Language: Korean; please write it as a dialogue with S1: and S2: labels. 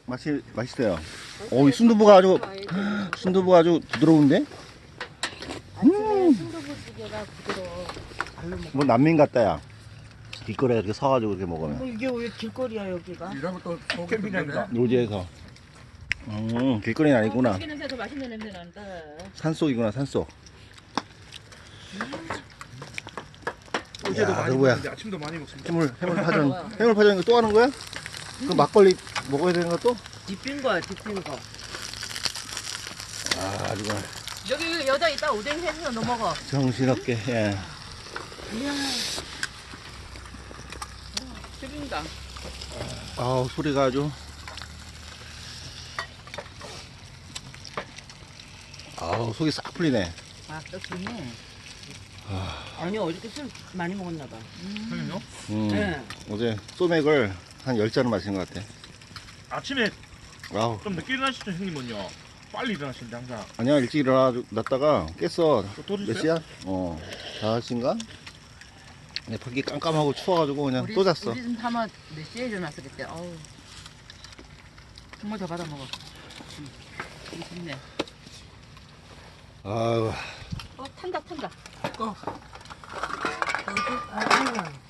S1: 맛있어요. 이 순두부가 아주 부드러운데?
S2: 아침에 순두부찌개가 부드러워.
S1: 뭐 난민 같다야. 길거리에 이렇게 서가지고 이렇게 먹으면.
S2: 이게 왜 길거리야 여기가?
S3: 이러면 또 캠핑장이다.
S1: 노지에서. 길거리는 아니구나.
S4: 고기 냄새 더 맛있는 냄새 난다.
S1: 산속이구나, 산속.
S3: 어제도
S1: 야,
S3: 많이
S1: 누구야?
S3: 먹었는데 아침도 많이 먹습니다.
S1: 해물파전. 해물파전 이거 또 하는 거야? 그 막걸리 먹어야 되는 거 또?
S2: 딥힌 거야 딥힌 거.
S1: 아주 그냥
S4: 여기 여자 있다 오뎅 해서 너 먹어.
S1: 정신없게, 예.
S2: 이야.
S4: 튀긴다.
S1: 아우, 소리가 아주. 아우, 속이 싹 풀리네.
S2: 또 좋네. 아니 어저께 술 많이 먹었나 봐.
S3: 형님요?
S2: 네.
S1: 어제 소맥을 한 10잔을 마신 것 같아.
S3: 아침에
S1: 아우,
S3: 좀 늦게 일어나시죠 형님은요? 빨리 일어나시는데 항상.
S1: 아니야, 일찍 일어났다가 깼어.
S3: 또
S1: 몇
S3: 드세요?
S1: 시야? 5시인가? 근데 밖이 깜깜하고 추워가지고 그냥 또 잤어.
S4: 우리 집 하면 몇 시에 일어났어 그때. 어우. 정말 더 받아 먹어. 좋네.
S1: 아유,
S4: 탄다.
S3: 꺼.
S2: 아유.